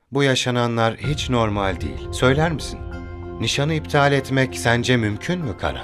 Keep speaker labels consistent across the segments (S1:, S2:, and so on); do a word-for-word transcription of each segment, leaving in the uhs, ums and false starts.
S1: Bu yaşananlar hiç normal değil. Söyler misin? Nişanı iptal etmek sence mümkün mü Karan?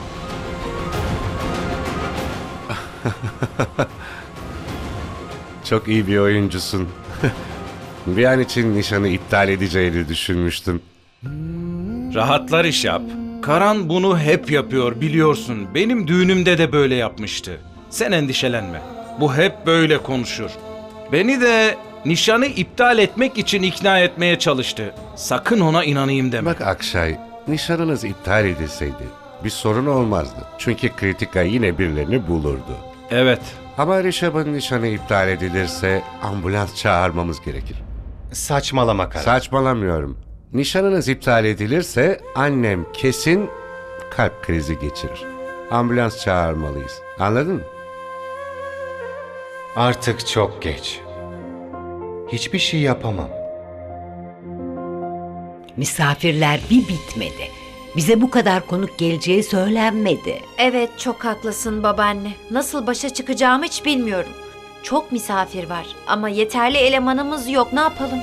S2: Çok iyi bir oyuncusun. Bir an için nişanı iptal edeceğini düşünmüştüm.
S3: Rahatlar iş yap. Karan bunu hep yapıyor biliyorsun. Benim düğünümde de böyle yapmıştı. Sen endişelenme. Bu hep böyle konuşur. Beni de nişanı iptal etmek için ikna etmeye çalıştı. Sakın ona inanayım deme.
S2: Bak Akşay, nişanınız iptal edilseydi bir sorun olmazdı. Çünkü Kritika yine birilerini bulurdu.
S3: Evet.
S2: Ama Rişab'ın nişanı iptal edilirse ambulans çağırmamız gerekir.
S1: Saçmalama Karan.
S2: Saçmalamıyorum. Nişanınız iptal edilirse annem kesin kalp krizi geçirir. Ambulans çağırmalıyız. Anladın mı?
S1: Artık çok geç. Hiçbir şey yapamam.
S4: Misafirler bir bitmedi. Bize bu kadar konuk geleceği söylenmedi.
S5: Evet, çok haklısın babaanne. Nasıl başa çıkacağımı hiç bilmiyorum. Çok misafir var ama yeterli elemanımız yok. Ne yapalım?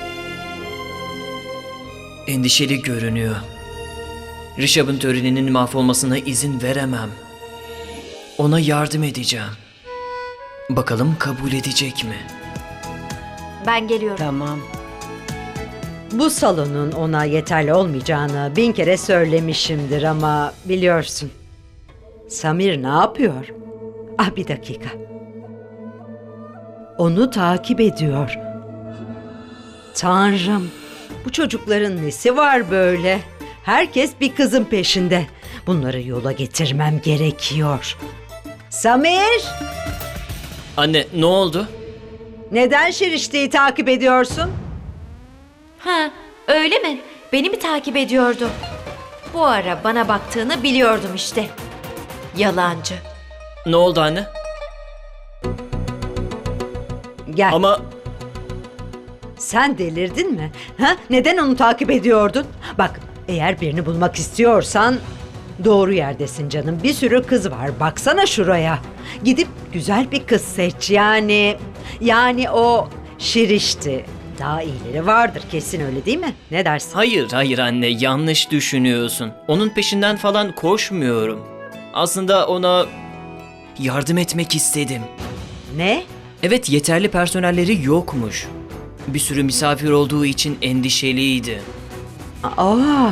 S6: Endişeli görünüyor. Rişab'ın töreninin mahvolmasına izin veremem. Ona yardım edeceğim. Bakalım kabul edecek mi?
S5: Ben geliyorum.
S7: Tamam. Bu salonun ona yeterli olmayacağını bin kere söylemişimdir ama biliyorsun. Samir ne yapıyor? Ah bir dakika. Onu takip ediyor. Tanrım, bu çocukların nesi var böyle? Herkes bir kızın peşinde. Bunları yola getirmem gerekiyor. Samir,
S6: Anne, ne oldu?
S7: neden Şirişte'yi takip ediyorsun?
S5: Ha, öyle mi? Beni mi takip ediyordu? Bu ara bana baktığını biliyordum işte. Yalancı.
S6: Ne oldu anne?
S7: Gel.
S6: Ama
S7: Sen delirdin mi? Ha? Neden onu takip ediyordun? Bak, eğer birini bulmak istiyorsan doğru yerdesin canım. Bir sürü kız var. Baksana şuraya. Gidip güzel bir kız seç. Yani yani o Şirişti. Daha iyileri vardır kesin, öyle değil mi? Ne dersin?
S6: hayır hayır anne, yanlış düşünüyorsun. Onun peşinden falan koşmuyorum. Aslında ona yardım etmek istedim.
S7: Ne?
S6: Evet, yeterli personelleri yokmuş. Bir sürü misafir olduğu için endişeliydi.
S7: Aa.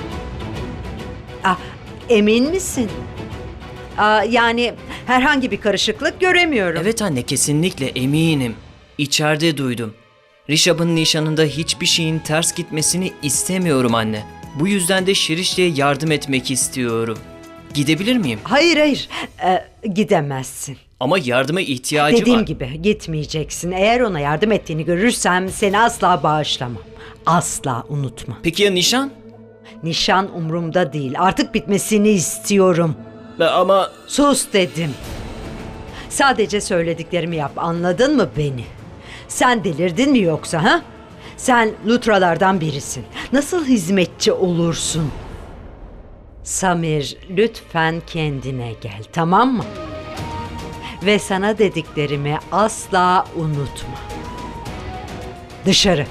S7: Ah, emin misin? Aa, yani herhangi bir karışıklık göremiyorum.
S6: Evet anne, kesinlikle eminim. İçeride duydum. Rişab'ın nişanında hiçbir şeyin ters gitmesini istemiyorum anne. Bu yüzden de Şirişte'ye yardım etmek istiyorum. Gidebilir miyim?
S7: Hayır hayır, Ee, gidemezsin.
S6: Ama yardıma ihtiyacı
S7: Dediğim
S6: var.
S7: gibi gitmeyeceksin. Eğer ona yardım ettiğini görürsem seni asla bağışlamam. Asla unutma.
S6: Peki ya nişan?
S7: Nişan umurumda değil. Artık bitmesini istiyorum.
S6: Be- Ama
S7: Sus dedim. Sadece söylediklerimi yap. Anladın mı beni? Sen delirdin mi yoksa ha? Sen Lutralardan birisin. Nasıl hizmetçi olursun? Samir, lütfen kendine gel, tamam mı? Ve sana dediklerimi asla unutma. Dışarı.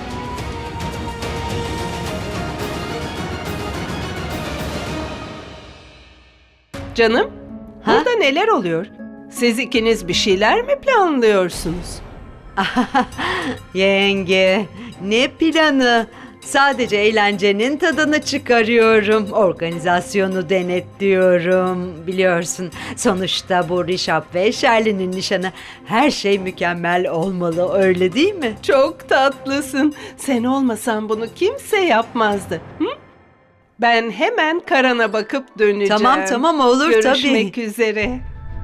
S8: Canım,
S7: Ha?
S8: burada neler oluyor? Siz ikiniz bir şeyler mi planlıyorsunuz?
S7: Yenge, ne planı? Sadece eğlencenin tadını çıkarıyorum. Organizasyonu denetliyorum. Biliyorsun, sonuçta bu Rişab ve Şerli'nin nişanı. Her şey mükemmel olmalı, öyle değil mi?
S8: Çok tatlısın. Sen olmasan bunu kimse yapmazdı. Hı? Ben hemen Karan'a bakıp döneceğim.
S7: Tamam tamam, olur tabii.
S8: Görüşmek üzere.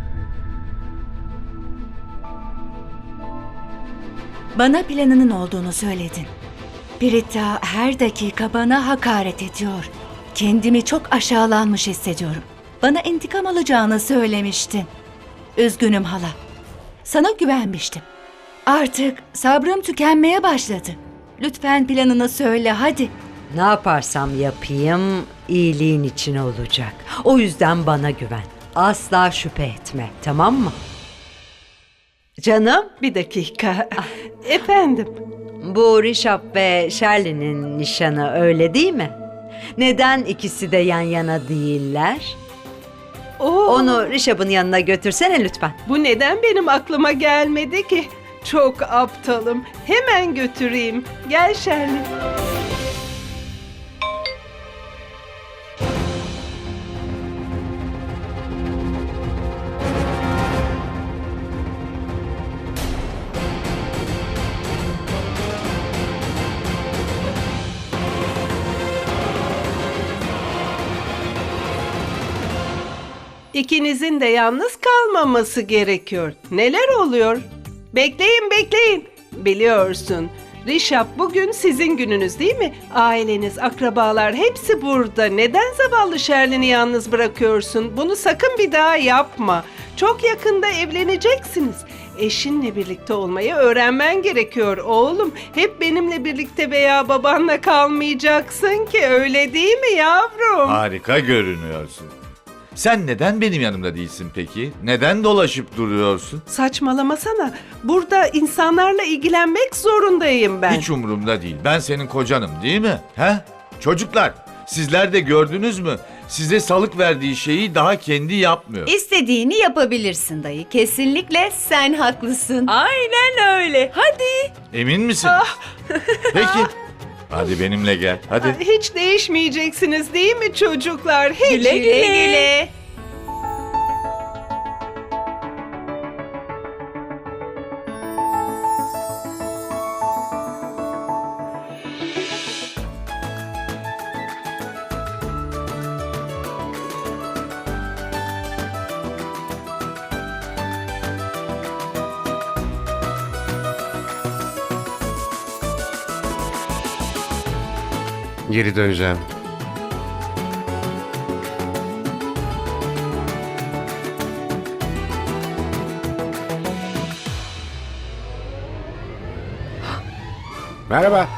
S9: Bana planının olduğunu söyledin. Prita her dakika bana hakaret ediyor. Kendimi çok aşağılanmış hissediyorum. Bana intikam alacağını söylemiştin. Üzgünüm hala. Sana güvenmiştim. Artık sabrım tükenmeye başladı. Lütfen planını söyle hadi.
S7: Ne yaparsam yapayım iyiliğin için olacak. O yüzden bana güven. Asla şüphe etme, tamam mı? Canım?
S8: Bir dakika. Efendim,
S7: Bu Rişap ve Shirley'nin nişanı öyle değil mi? Neden ikisi de yan yana değiller?
S8: Oo,
S7: Onu Rişap'ın yanına götürsene lütfen.
S8: bu neden benim aklıma gelmedi ki? Çok aptalım. Hemen götüreyim. Gel Şerlin. İkinizin de yalnız kalmaması gerekiyor. Neler oluyor? Bekleyin, bekleyin. Biliyorsun, Rişap bugün sizin gününüz değil mi? Aileniz, akrabalar hepsi burada. Neden zavallı Şerlin'i yalnız bırakıyorsun? Bunu sakın bir daha yapma. Çok yakında evleneceksiniz. Eşinle birlikte olmayı öğrenmen gerekiyor oğlum. Hep benimle birlikte veya babanla kalmayacaksın ki, öyle değil mi yavrum?
S10: Harika görünüyorsun. Sen neden benim yanımda değilsin peki? Neden dolaşıp duruyorsun?
S8: Saçmalamasana. Burada insanlarla ilgilenmek zorundayım ben.
S10: Hiç umurumda değil. Ben senin kocanım değil mi? He? Çocuklar, sizler de gördünüz mü? Size salık verdiği şeyi daha kendi yapmıyor.
S9: İstediğini yapabilirsin dayı. Kesinlikle sen haklısın. Aynen öyle. Hadi.
S10: Emin misin? Peki. Hadi benimle gel. Hadi.
S8: Hiç değişmeyeceksiniz değil mi çocuklar? Hiç.
S9: Güle güle.
S2: Geri döneceğim. Merhaba.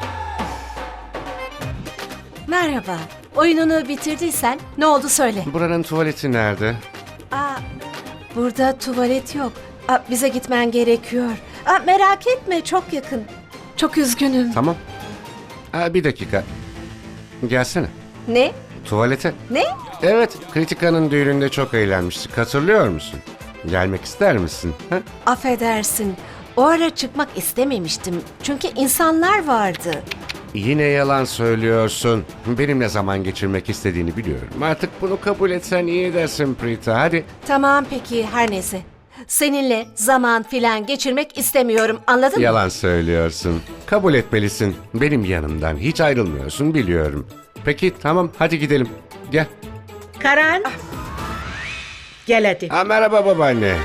S11: Merhaba. Oyununu bitirdiysen ne oldu söyle.
S2: Buranın tuvaleti nerede?
S11: Aa, burada tuvalet yok. Aa, bize gitmen gerekiyor. Aa, merak etme, çok yakın. Çok üzgünüm.
S2: Tamam. Aa, bir dakika. Gelsene.
S11: Ne?
S2: Tuvalete.
S11: Ne?
S2: Evet, Kritika'nın düğününde çok eğlenmiştik. Hatırlıyor musun? Gelmek ister misin? Ha?
S11: Affedersin. O ara çıkmak istememiştim. Çünkü insanlar vardı.
S2: Yine yalan söylüyorsun. Benimle zaman geçirmek istediğini biliyorum. Artık bunu kabul etsen iyi edersin Prita. Hadi.
S11: Tamam peki, her neyse. Seninle zaman filan geçirmek istemiyorum, anladın mı?
S2: Yalan söylüyorsun. Kabul etmelisin. Benim yanımdan hiç ayrılmıyorsun biliyorum. Peki tamam hadi gidelim. Gel.
S12: Karan. Gel hadi.
S2: Ha, merhaba babaanne.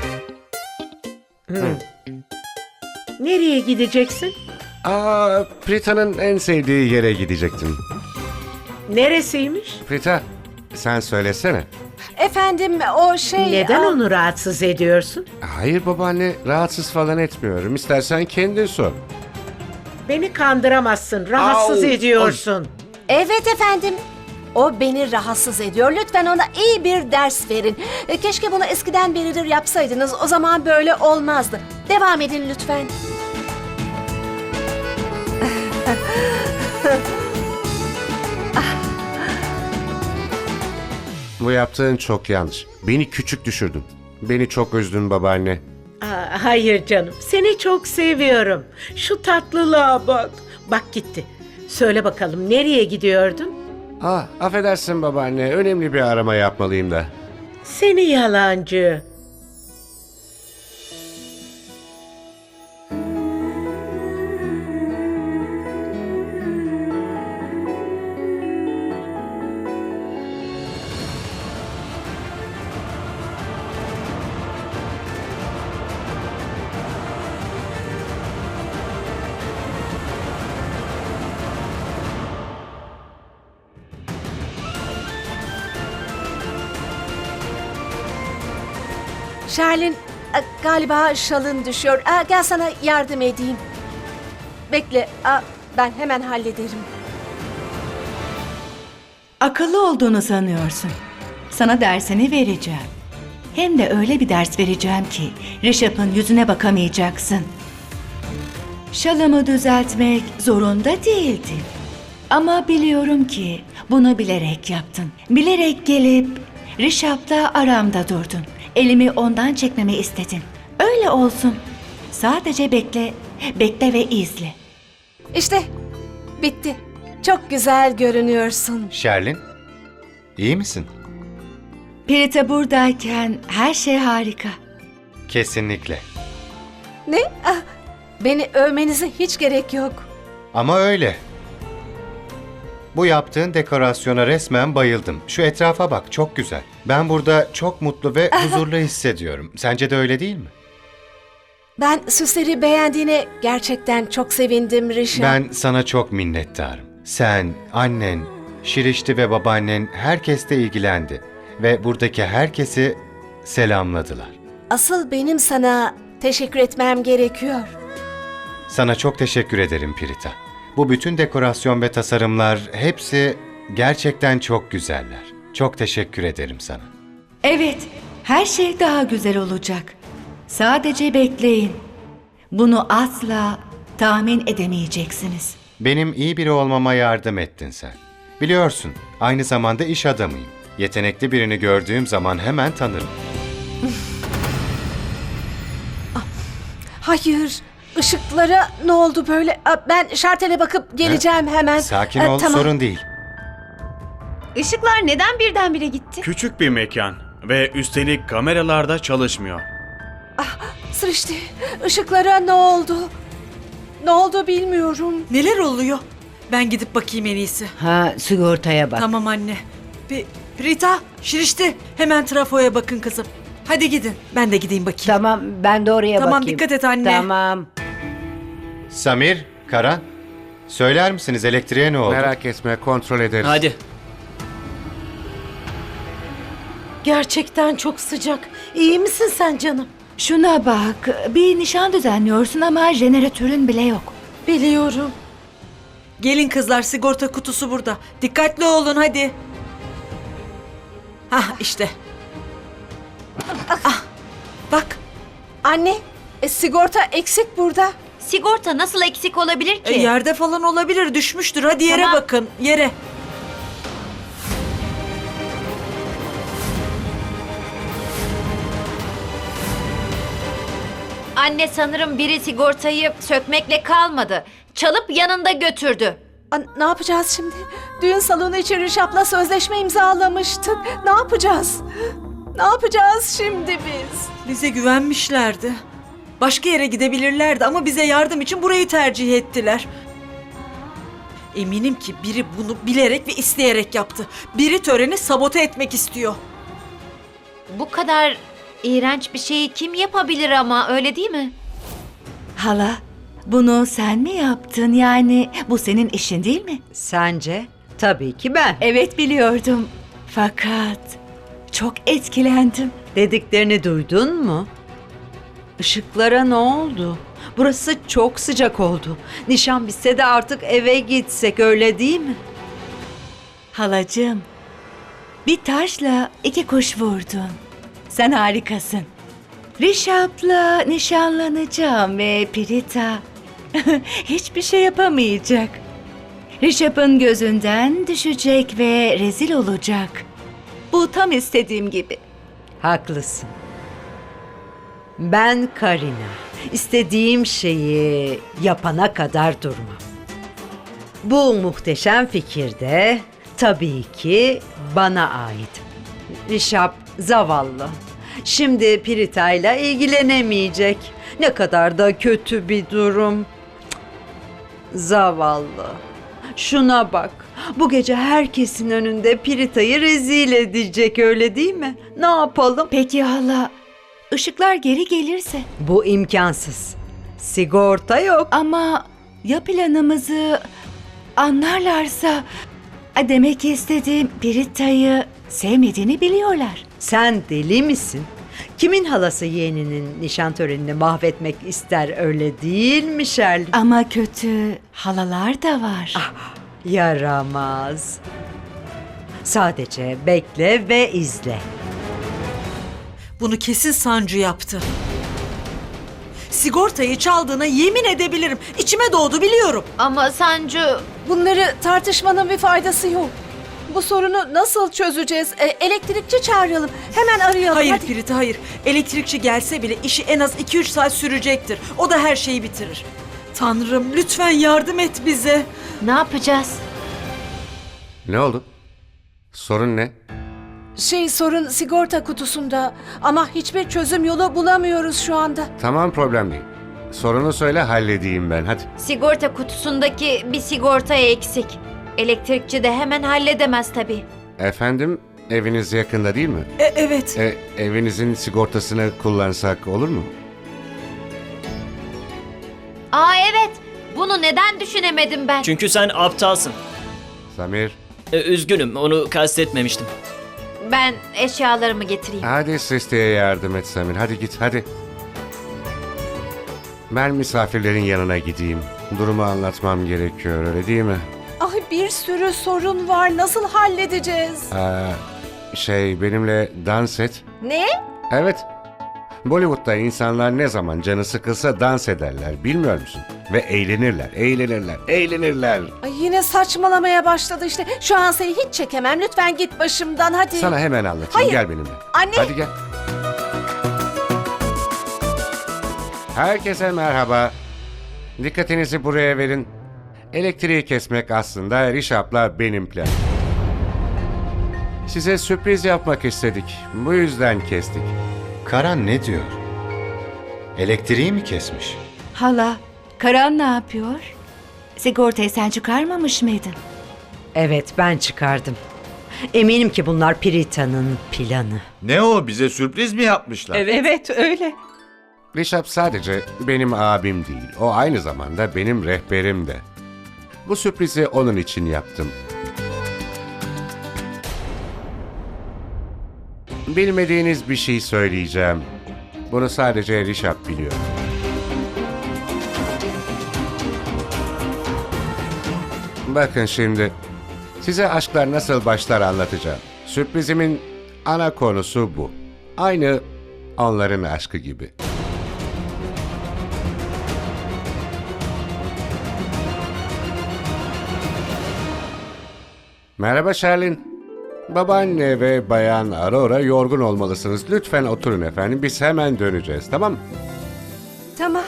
S12: Nereye gideceksin?
S2: Aa, Prita'nın en sevdiği yere gidecektim.
S12: Neresiymiş?
S2: Prita sen söylesene.
S11: Efendim o şey...
S12: Neden
S11: aa,
S12: onu rahatsız ediyorsun?
S2: Hayır babaanne rahatsız falan etmiyorum. İstersen kendin sor.
S12: Beni kandıramazsın. Rahatsız
S2: Au,
S12: ediyorsun.
S11: Evet efendim. O beni rahatsız ediyor. Lütfen ona iyi bir ders verin. E, Keşke bunu eskiden beridir yapsaydınız. O zaman böyle olmazdı. Devam edin lütfen.
S2: Bu yaptığın çok yanlış. Beni küçük düşürdün. Beni çok üzdün babaanne.
S12: Aa, hayır canım. Seni çok seviyorum. Şu tatlılığa bak. Bak gitti. Söyle bakalım nereye gidiyordun?
S2: Ah, affedersin babaanne. Önemli bir arama yapmalıyım da.
S12: Seni yalancı.
S11: Şerlin, e, galiba şalın düşüyor. Aa, gel sana yardım edeyim. Bekle, aa, ben hemen hallederim.
S9: Akıllı olduğunu sanıyorsun. Sana dersini vereceğim. Hem de öyle bir ders vereceğim ki Rişap'ın yüzüne bakamayacaksın. Şalımı düzeltmek zorunda değildin. Ama biliyorum ki bunu bilerek yaptın. Bilerek gelip Rişap'la aramda durdun. Elimi ondan çekmemi istedin. Öyle olsun. Sadece bekle, bekle ve izle.
S11: İşte bitti. Çok güzel görünüyorsun.
S1: Şerlin, iyi misin?
S9: Pirita buradayken her şey harika.
S1: Kesinlikle.
S11: Ne? Ah, beni övmenize hiç gerek yok.
S1: Ama öyle. Bu yaptığın dekorasyona resmen bayıldım. Şu etrafa bak, çok güzel. Ben burada çok mutlu ve huzurlu hissediyorum. Sence de öyle değil mi?
S11: Ben süsleri beğendiğine gerçekten çok sevindim Rişap.
S1: Ben sana çok minnettarım. Sen, annen, Şirişti ve babaannen herkes de ilgilendi. Ve buradaki herkesi selamladılar.
S11: Asıl benim sana teşekkür etmem gerekiyor.
S1: Sana çok teşekkür ederim Pirita. Bu bütün dekorasyon ve tasarımlar hepsi gerçekten çok güzeller. Çok teşekkür ederim sana.
S9: Evet, her şey daha güzel olacak. Sadece bekleyin. Bunu asla tahmin edemeyeceksiniz.
S1: Benim iyi biri olmama yardım ettin sen. Biliyorsun, aynı zamanda iş adamıyım. Yetenekli birini gördüğüm zaman hemen tanırım.
S11: Hayır, ışıklara ne oldu böyle? Ah, ben şartele bakıp geleceğim hemen.
S1: Sakin
S11: Ah,
S1: ol,
S11: tamam.
S1: sorun değil.
S5: Işıklar neden birdenbire gitti?
S13: Küçük bir mekan ve üstelik kameralar da çalışmıyor.
S11: Sırıştı. Işıklara ne oldu? Ne oldu bilmiyorum.
S14: Neler oluyor? Ben gidip bakayım en iyisi.
S4: Ha, sigortaya bak.
S14: Tamam anne. P- Rita, Şirişti. Hemen trafoya bakın kızım. Hadi gidin. Ben de gideyim bakayım.
S4: Tamam, ben de oraya
S14: Tamam,
S4: bakayım.
S14: dikkat et anne.
S4: Tamam.
S1: Samir, Karan, söyler misiniz elektriğe ne oldu?
S2: Merak etme, kontrol ederiz.
S6: Hadi.
S12: Gerçekten çok sıcak. İyi misin sen canım?
S9: Şuna bak, bir nişan düzenliyorsun ama jeneratörün bile yok.
S12: Biliyorum.
S14: Gelin kızlar, sigorta kutusu burada. Dikkatli olun hadi. Hah işte. Ah, bak.
S11: Anne, e, sigorta eksik burada.
S5: Sigorta nasıl eksik olabilir ki?
S14: E, yerde falan olabilir, düşmüştür. Hadi yere
S5: Tamam.
S14: bakın, yere.
S5: Anne, sanırım biri sigortayı sökmekle kalmadı. Çalıp yanında götürdü.
S11: Aa, ne yapacağız şimdi? Düğün salonu için Rişap'la sözleşme imzalamıştık. Ne yapacağız? Ne yapacağız şimdi biz?
S14: Bize güvenmişlerdi. Başka yere gidebilirlerdi ama bize yardım için burayı tercih ettiler. Eminim ki biri bunu bilerek ve isteyerek yaptı. Biri töreni sabote etmek istiyor.
S5: Bu kadar iğrenç bir şeyi kim yapabilir ama, öyle değil mi?
S9: Hala, bunu sen mi yaptın? Yani bu senin işin değil mi?
S7: Sence? Tabii ki ben.
S9: Evet, biliyordum. Fakat çok etkilendim.
S7: Dediklerini duydun mu? Işıklara ne oldu? Burası çok sıcak oldu. Nişan bitse de artık eve gitsek, öyle değil mi?
S9: Halacığım, bir taşla iki kuş vurdun. Sen harikasın. Rişap'la nişanlanacağım ve Pirita hiçbir şey yapamayacak. Rişap'ın gözünden düşecek ve rezil olacak. Bu tam istediğim gibi.
S7: Haklısın. Ben Karina. İstediğim şeyi yapana kadar durmam. Bu muhteşem fikir de tabii ki bana ait. Rişap zavallı. Şimdi Pirita'yla ilgilenemeyecek. Ne kadar da kötü bir durum. Cık, zavallı. Şuna bak. Bu gece herkesin önünde Pirita'yı rezil edecek, öyle değil mi? Ne yapalım?
S9: Peki hala, ışıklar geri gelirse?
S7: Bu imkansız. Sigorta yok.
S9: Ama ya planımızı anlarlarsa? Demek istediğim Pirita'yı sevmediğini biliyorlar.
S7: Sen deli misin? Kimin halası yeğeninin nişan törenini mahvetmek ister, öyle değil mi Şerlin?
S9: Ama kötü halalar da var.
S7: Ah, yaramaz. Sadece bekle ve izle.
S14: Bunu kesin Sancı yaptı. sigortayı çaldığına yemin edebilirim. İçime doğdu biliyorum.
S5: Ama Sancu...
S11: Bunları tartışmanın bir faydası yok. Bu sorunu nasıl çözeceğiz? E, elektrikçi çağıralım. Hemen arayalım.
S14: Hayır
S11: hadi.
S14: Pirita hayır. Elektrikçi gelse bile işi en az iki üç saat sürecektir. O da her şeyi bitirir. Tanrım lütfen yardım et bize.
S5: Ne yapacağız?
S2: Ne oldu? Sorun ne?
S11: Şey sorun sigorta kutusunda ama hiçbir çözüm yolu bulamıyoruz şu anda.
S2: Tamam, problem değil. Sorunu söyle, halledeyim ben, hadi.
S5: Sigorta kutusundaki bir sigorta eksik. Elektrikçi de hemen halledemez tabii.
S2: Efendim, eviniz yakında değil mi?
S14: E, evet.
S2: E, evinizin sigortasını kullansak olur mu?
S5: Aa evet. Bunu neden düşünemedim ben?
S6: Çünkü sen aptalsın.
S2: Samir,
S6: E, üzgünüm, onu kastetmemiştim.
S5: Ben eşyalarımı getireyim.
S2: hadi Sristi'ye yardım et Samir, hadi git, hadi. Ben misafirlerin yanına gideyim. Durumu anlatmam gerekiyor, öyle değil mi?
S11: Ay bir sürü sorun var. Nasıl halledeceğiz?
S2: Aa, şey, benimle dans et.
S11: Ne?
S2: Evet. Bollywood'da insanlar ne zaman canı sıkılsa dans ederler, bilmiyor musun? Ve eğlenirler, eğlenirler, eğlenirler.
S11: Ay yine saçmalamaya başladı işte. Şu an seni hiç çekemem. Lütfen git başımdan hadi.
S2: Sana hemen anlatayım,
S11: Hayır.
S2: gel benimle.
S11: Anne.
S2: Hadi gel. Herkese merhaba. Dikkatinizi buraya verin. Elektriği kesmek aslında Rişap'la benim planım. Size sürpriz yapmak istedik. Bu yüzden kestik.
S1: Karan ne diyor? Elektriği mi kesmiş?
S9: Hala, Karan ne yapıyor? Sigortayı sen çıkarmamış mıydın?
S7: Evet, ben çıkardım. Eminim ki bunlar Pirita'nın planı.
S10: Ne o, bize sürpriz mi yapmışlar?
S8: Evet, evet öyle.
S2: Rişap sadece benim abim değil. O aynı zamanda benim rehberim de. Bu sürprizi onun için yaptım. Bilmediğiniz bir şey söyleyeceğim. Bunu sadece Rişap biliyor. Bakın şimdi, size aşklar nasıl başlar anlatacağım. Sürprizimin ana konusu bu. Aynı onların aşkı gibi. Merhaba Sherlin. Babaanne ve bayan Aurora yorgun olmalısınız. Lütfen oturun efendim. Biz hemen döneceğiz, tamam mı?
S11: Tamam.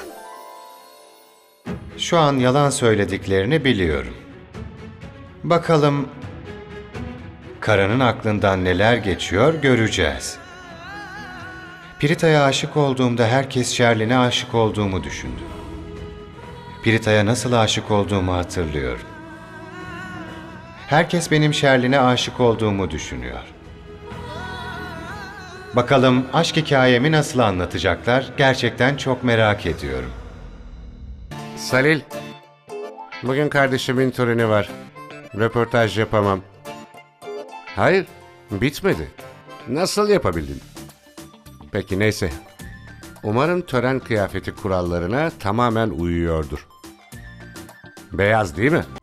S1: Şu an yalan söylediklerini biliyorum. Bakalım Karan'ın aklından neler geçiyor göreceğiz. Pirita'ya aşık olduğumda herkes Sherlin'e aşık olduğumu düşündü. Pirita'ya nasıl aşık olduğumu hatırlıyorum. Herkes benim Sherlin'e aşık olduğumu düşünüyor. Bakalım aşk hikayemi nasıl anlatacaklar? Gerçekten çok merak ediyorum.
S2: Salil, bugün kardeşimin töreni var. Röportaj yapamam. Hayır, bitmedi. Nasıl yapabildin? Peki neyse. Umarım tören kıyafeti kurallarına tamamen uyuyordur. Beyaz değil mi?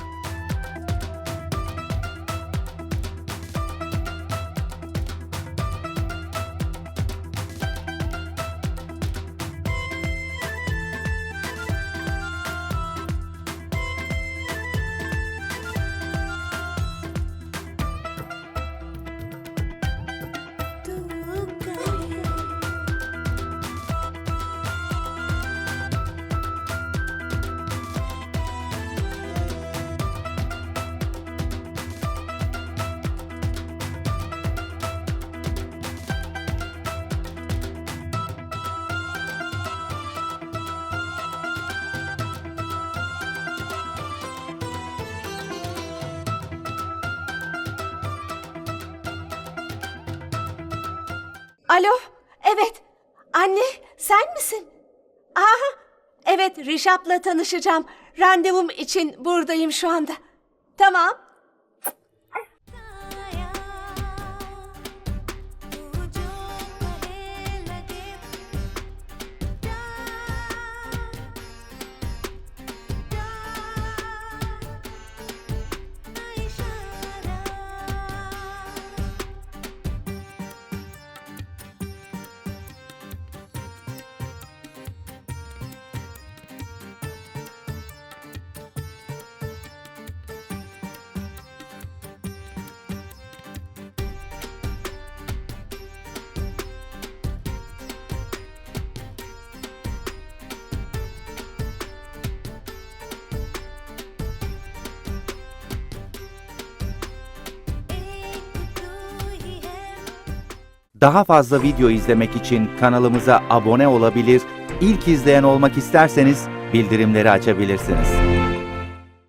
S11: Alo, evet. Anne, sen misin? Aha, evet Rişap'la tanışacağım. Randevum için buradayım şu anda. Tamam.
S15: Daha fazla video izlemek için kanalımıza abone olabilir, ilk izleyen olmak isterseniz bildirimleri açabilirsiniz.